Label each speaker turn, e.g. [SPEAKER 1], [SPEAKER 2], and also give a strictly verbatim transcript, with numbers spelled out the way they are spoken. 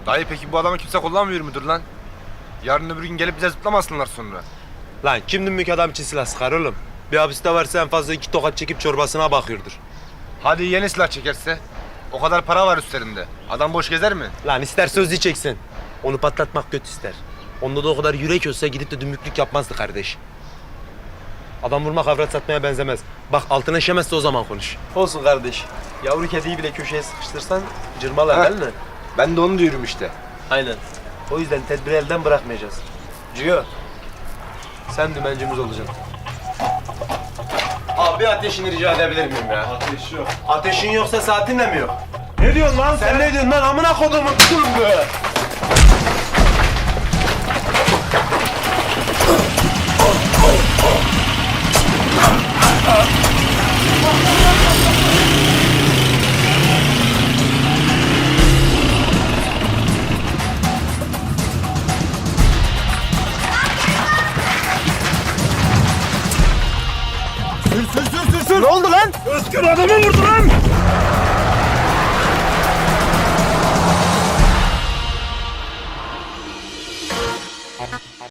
[SPEAKER 1] Dayı peki bu adamı kimse kullanmıyor mudur lan? Yarın öbür gün gelip bize zıplamasınlar sonra.
[SPEAKER 2] Lan kim dümbük adam için silah sıkar oğlum? Bir hapiste varsa en fazla iki tokat çekip çorbasına bakıyordur.
[SPEAKER 1] Hadi yeni silah çekerse? O kadar para var üstlerinde. Adam boş gezer mi?
[SPEAKER 2] Lan ister sözlü çeksin. Onu patlatmak kötü ister. Onda da o kadar yürek olsa gidip de dümbüklük yapmazdı kardeş. Adam vurmak avrat satmaya benzemez. Bak altına işemezse o zaman konuş. Olsun kardeş. Yavru kediyi bile köşeye sıkıştırsan cırmalar değil mi?
[SPEAKER 1] Ben de onu diyorum işte.
[SPEAKER 2] Aynen. O yüzden tedbiri elden bırakmayacağız. Ciyo, sen dümencimiz olacaksın. Abi bir ateşini rica edebilir miyim ya?
[SPEAKER 3] Ateş yok.
[SPEAKER 2] Ateşin yoksa saatin de mi yok?
[SPEAKER 3] Ne diyorsun lan
[SPEAKER 2] Sen ne diyorsun lan amına kodumun tümbü?
[SPEAKER 3] Sür sür sür sür sür.
[SPEAKER 2] Ne oldu lan?
[SPEAKER 3] Özgür adamı vurdu lan.